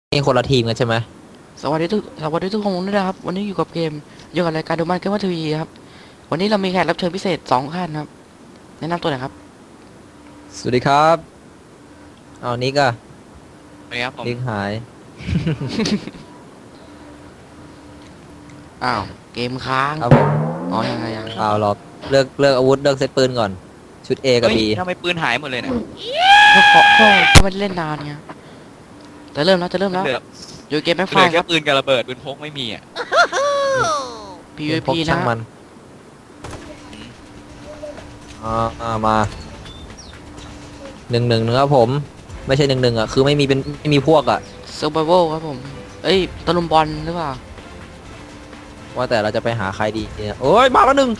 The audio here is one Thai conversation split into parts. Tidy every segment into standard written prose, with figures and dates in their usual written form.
นี่คนละทีมกันใช่ไหมสวัสดีทุกคนด้วยนะครับวันนี้อยู่กับเกมอยู่กับรายการดูมันเกมว่าทีวีครับวันนี้เรามีแขกรับเชิญพิเศษ2 ท่านครับแนะนำตัวหน่อยครับสวัสดีครับเอานิกอะสวัสดีครับผมนิกหายอ้าวเกมค้างครับผมอ๋อยังเอาหรอกเลือกอาวุธเลือกเซตปืนก่อนชุด A กับเฮ้ย B ทำไมปืนหายหมดเลยเนี่ยก็ไม่ได้เล่นนานไงจะเริ่มแล้วเหลืออยู่เกมแม็กไฟเหลือคแค่รับปืนกับระเบิดปืนพกไม่มีอ่ะ PVP พกช่านะงมันมา1-1นะครับผมไม่ใช่1-1อะคือไม่มีพวกอะ Survival ครับผมเอ้ยตะลุมบอลหรือเปล่าว่าแต่เราจะไปหาใครดีเนี่ยโอ้ยมาแล้วหนึ่ง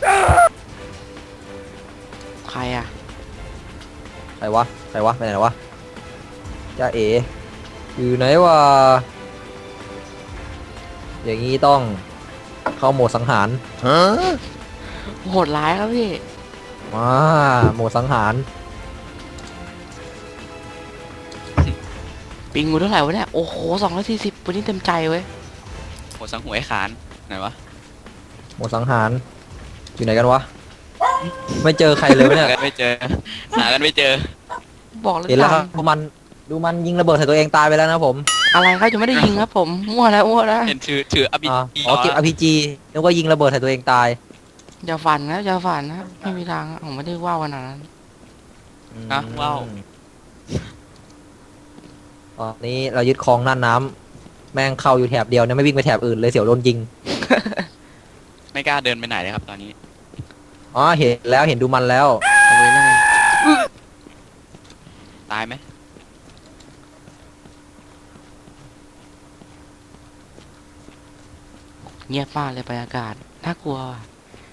ใครอะใครวะไปไหนวะจ้าเอ๋อยู่ไหนวะอย่างนี้ต้องเข้าโหมดสังหารโหดร้ายครับพี่มาโหมดสังหารปิงกูเท่าไหร่วะเนี่ยโอ้โห240วันนี้เต็มใจเว้ยโหสังหวยขานไหนวะหมดสังหารอยู่ไหนกันวะไม่เจอใครเลยวะเนี่ยหากันไม่เจอหากันไม่เจอบอกเลยเห็นแล้วคจัรับงดูมันยิงระเบิดใส่ตัวเองตายไปแล้วนะผมอะไรครับยังไม่ได้ยิงครับผมมั่วแล้วเห็นถืออภิอ๋อเก็บ RPG นึกว่ายิงระเบิดใส่ตัวเองตายอย่าฝันนะอย่าฝันนะไม่มีทางอะผมไม่ได้ว่าวขนาดนั้นนะว้าวตอนนี้เรายึดครองน่านน้ำแม่งเข้าอยู่แถบเดียวเนี่ยไม่วิ่งไปแถบอื่นเลยเสียวโดนยิงไม่กล้าเดินไปไหนเลยครับตอนนี้อ๋อเห็นแล้วเห็นดูมันแล้วเอาไว้แล้วไงตายไหมเงียบมากเลยบรรยากาศน่ากลัวว่ะ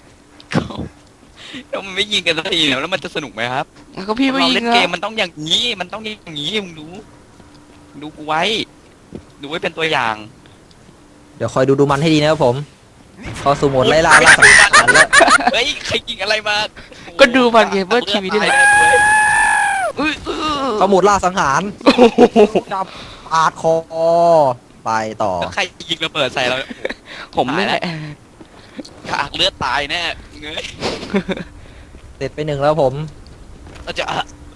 แล้วมันไม่ยิงกันสักทีเนี่ยแล้วมันจะสนุกไหมครับแล้วก็พี่ไม่เรายิงเล่นอะเกมมันต้องอย่างนี้มันต้องอย่างนี้มึงดูกูไว้ดูไว้เป็นตัวอย่างเดี๋ยวคอยดูมันให้ดีนะครับผมเข้าสู่โหมดไล่ล่าสังหารแล้วเฮ้ยใครยิงอะไรมาก็ดูมันเกมเพื่อทีวีที่ไหนอื้อเข้าโหมดล่าสังหารจับปาดคอไปต่อแล้วใครยิงระเบิดใส่เราผมนี่แหละกากเลือดตายแน่เงยเสร็จไป1แล้วผมเราจะ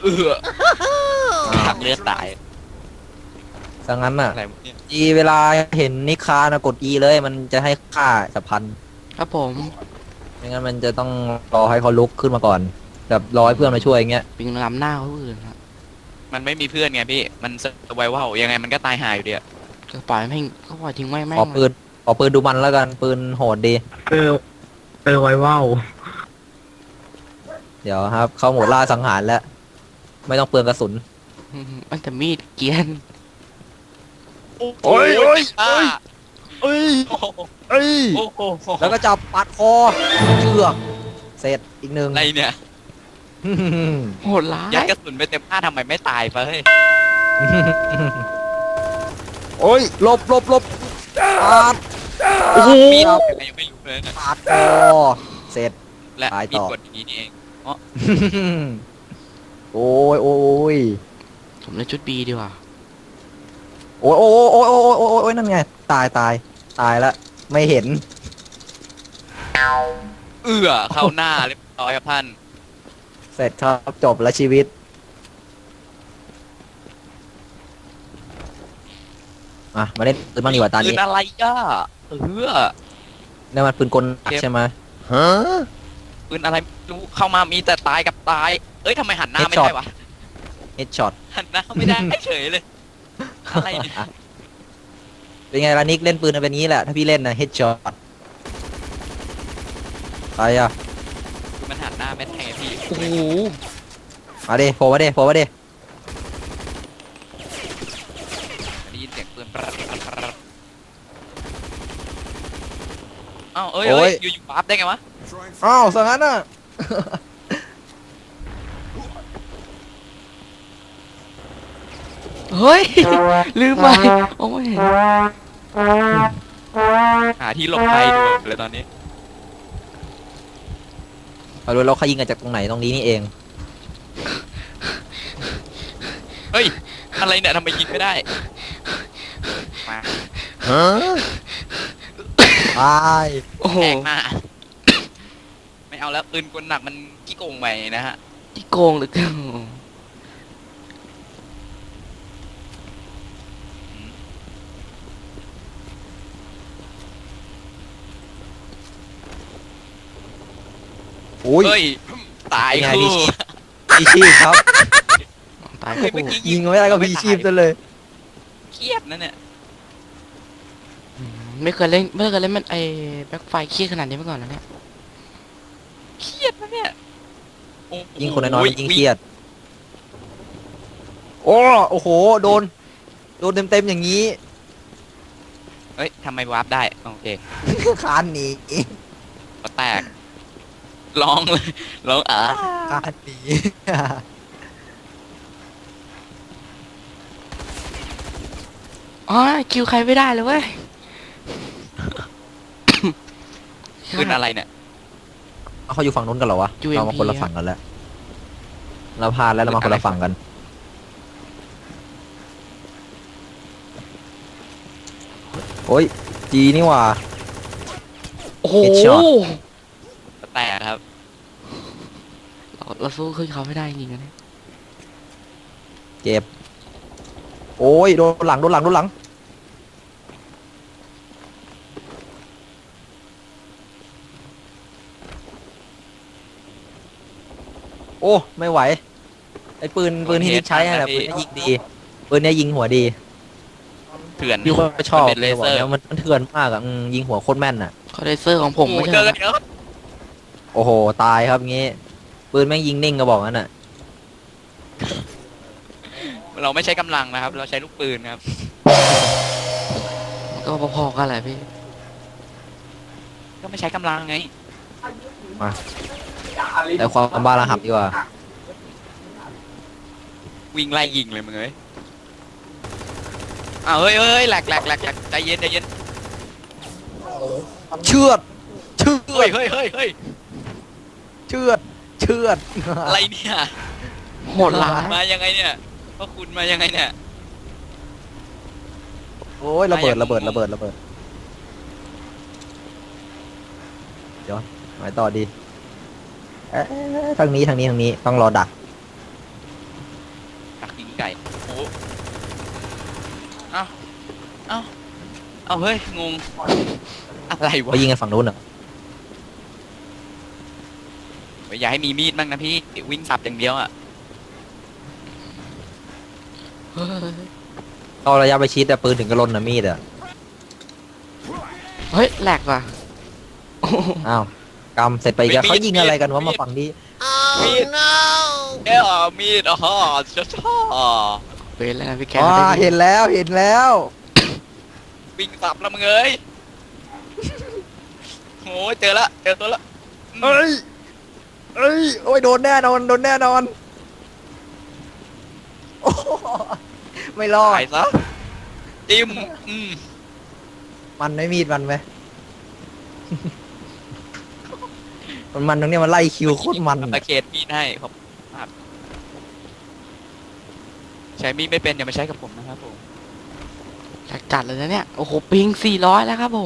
กากเลือดตายดังนั้นน่ะอะไรเนี่ยอีเวลาเห็นนิคานะกด E เลยมันจะให้ค่าสับพันครับผมไม่งั้นมันจะต้องรอให้เขาลุกขึ้นมาก่อนแบบรอให้เพื่อนมาช่วยอย่างเงี้ยปิงลำหน้าเขาอื่นครับมันไม่มีเพื่อนไงพี่ มันสไวว่ายังไงมันก็ตายหายอยู่ดีอะก็ปล่อยแม่งก็ปล่อยทิ้งไว้แม่ของ ปืนดูมันแล้วกันปืนโหดดีเออไว้ว่าวเดี๋ยวครับ เข้าโหมดล่าสังหารแล้ว ไม่ต้องเปลืองกระสุนมันแต่มีดเกรียนโอ้ยโอ้ยอ่าเอ้ยโอ้โหเอ้ยโอ้โหแล้วก็จับปัดคอเชือกเสร็จอีกหนึ่งอะไรเนี่ยโหดร้ายยัดกระสุนไปเต็มหน้าทำไมไม่ตายไปเฮ้ยโอ้ยหลบปาดโอ้โหมีดยังไม่รู้เลยนะปาดคอเสร็จและตายมีต่ดอกดอย่างนี้นี่เองโอ้ยโอ้ยผมเล่นชุดบีดีกว่าโอ้ยโอ้ยโอ้ยโอ้ยโอ้ยโอ้ยนั่นไงตายแล้วไม่เห็นเข้าหน้าเรียบร้อยครับท่านเสร็จครับจบแล้วชีวิตมาเล่นปืนบ้างดีกว่าตาปืนี้นอะไรอ่ะนี่มันปืนกลหนักใช่ไหมฮะปืนอะไรไม่รู้เข้ามามีแต่ตายกับตาย เอ้ยทำไมหันหน้าไม่ Headshot ได้วะเฮดช็อตหันหน้าไม่ได้เฉยเลยอะไรเนี่ยเป็นไงล่ะนิกเล่นปืนเป็นงี้แหละถ้าพี่เล่นนะเฮดช็อตใครอ่ะคือมันหันหน้าไม่ได้ไงพี่โอ้โหมาดิโผล่มาดิได้ยินเสียงปืนปรัดเอ้าเอ้ยอยู่ปั๊บได้ไงวะอ้าวสังนั้นอ่ะเฮ้ยลืมไปโอ้ไม่เห็นหาที่หลบภัยดูเลยตอนนี้เรารู้เราเขายิงกันจากตรงไหนตรงนี้นี่เองเฮ้ยอะไรเนี่ยทำไมยิงไม่ได้มาฮะตายโอ้โหแทงมา ไม่เอาแล้วปืนกลหนักมันขี้โกงไปนะฮะที่โกงเหรือเกินอุ้ยเฮ้ยตายเป็นไงคู่พี่ชีพครับตายเฮ้ยคู่เมื่อกี้ยิงไม่ได้ก็พี่ชีพซะเลยเครียดนะเนี่ยไม่เคยเล่นมันไอ้แบ็คไฟเครียดขนาดนี้มาก่อนแล้วเนี่ยเครียดนะเนี่ยโอ้โหยิงคนน้อยๆมันยิงเครียด โอ้โห โดนเต็มๆอย่างนี้เฮ้ยทำไมวาร์ปได้โอเคคานหนีก็แตกร้องเลยร้องคานหนีอ๋อคิวใครไม่ได้เลยเว้ยปืนอะไรเนี่ยเขาอยู่ฝั่งนู้นกันเหรอวะ UMP เรามาคนละฝั่งกันแล้วเราพลาดแล้วเรามาคนละฝั่งกัน โอ้ยจีนี่หว่าโอ้โห Headshot ก็แตกครับเราสู้ขึ้นเขาไม่ได้จริงๆนะเนี่ยเจ็บ โอ้ยโดนหลัง โอ้ไม่ไหว ไอ้ปืนที่นิดใช้อะปืนเนี้ยิงดีปืนเนี้ยยิงหัวดีเถื่อนพี่ก็ชอบมันเป็นเลเซอร์บอกแล้วมันเถื่อนมากอ่ะยิงหัวโคตรแม่นอ่ะเขาเลเซอร์ของผมไม่โอ้โหใช่เจเหอรอกันเดี๋ยวโอ้โหตายครับงี้ปืนแม่งยิงนิ่งก็บอกงั้นอ่ะเราไม่ใช้กำลังนะครับ เราใช้ลูกปืนครับก็พอๆกันแหละพี่ก็ไม่ใช้กำลังไงแต่ความบ้าระหับดีกว่าวิ่งไล่ยิงเลยมึงเอ้ยอ้าวเฮ้ยเฮ้ยแหลกใจเย็นเชือดเฮ้ยเฮ้ยเชือดอะไรเนี่ยโหดร้ายมายังไงเนี่ยพ่อคุณมายังไงเนี่ยโอ้ยระเบิดเดี๋ยวไปต่อดีทางนี้ต้องรอดักตักยิงไก่โอ้เอ้าเฮ้ยงงอะไรวะไปยิงกันฝั่งนู้นเหรออย่าให้มีมีดบ้างนะพี่วิ่งสับอย่างเดียวอ่ะเฮ้ยเอาระยะไปชิดแต่ปืนถึงกระลนนะมีดอ่ะเฮ้ยแหลกว่ะอ้าวกำเสร็จไปอีกแล้วเขายิงอะไรกันวะมาฝั่งนี้มีดมีดอ๋อชอบเป็นแล้วนะพี่แกอ๋อเห็นแล้ววิ่งสับแล้วมึงเอ้ยโอ้ยเจอตัวละโอ้ยโดนแน่นอนโอ้ไม่รอดตายซะจิ้มมันไม่มีดมันไหม มันตรงเนี้ยมันไล่คิวโคตรมันตะเขตมีดให้ครับใช้มีดไม่เป็นอย่ามาใช้กับผมนะครับผมแหลกจัดเลยนะเนี่ย โอ้โหปิง400แล้วครับผม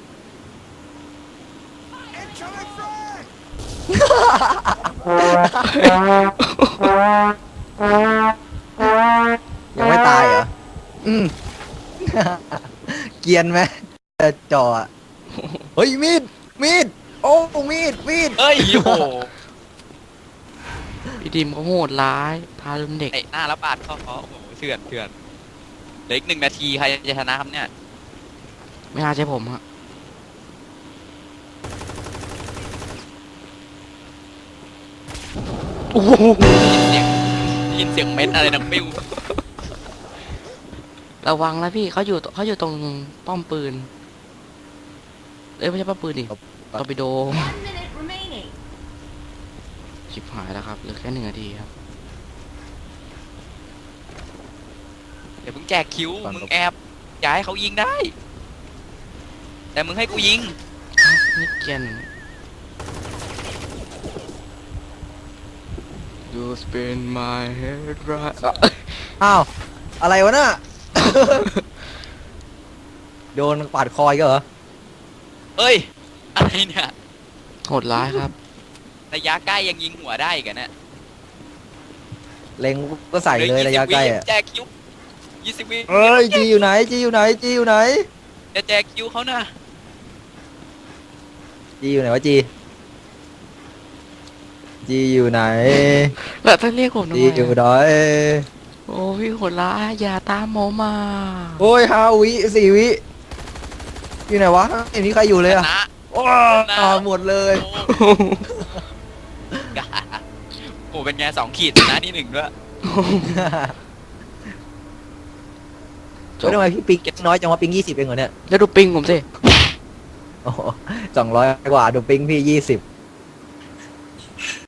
ยังไม่ตายเหรอเกรียนไหมจ่ออะเฮ้ยมีดโอ้มีดเอ้ยโอ้โหพี่ดิมเขาโหดร้ายทารุณเด็กเตะหน้าแล้วปาดเข้าเขาโอ้โหเถื่อนเหลืออีก1 นาทีใครจะชนะครับเนี่ยไม่น่าใช่ผมฮะโอ้โหยินเสียงเม็ดอะไรดังปิ้วระวังนะพี่เขาอยู่ตรงป้อมปืนเอ้ยไม่ใช่ป้อมปืนดิตอร์ปิโด 1 minute remaining. ชิบหายแล้วครับเหลือแค่1 นาทีครับเดี๋ยวมึงแจกคิวมึงแอบอย่าให้เขายิงได้ แต่มึงให้กูยิงนี่เกียน You spin my head right อ้าวอะไรวะน่ะโดนปาดคอยก็เหรอเอ้ยอะไรเนี่ยโหดร้ายครับระยะใกล้ยังยิงหัวได้อีกันนะเล็งก็ใส่เลยระยะใกล้อะแจกคิว20 วิเอ้ยจีอยู่ไหนจีอยู่ไหนจีอยู่ไหนจะแจกคิวเขานะจีอยู่ไหนวะจีจีอยู่ไหนแล้วท่านเรียกผมทำจีไมอยู่อะไหนโอ้พี่โหดร้ายอย่าตามผมมาโอ้ย5 วิ4 วิอยู่ไหนวะไม่มีใครอยู่เลยอะนะโอ้หมดเลยโอ้โหเป็นไง2 ขีดชนะที่ 1ด้วยเฮ้ยทำไมพี่ปิงน้อยจังวะปิง20เองเหรอเนี่ยแล้วดูปิงผมสิโอ้โห200 กว่าดูปิงพี่20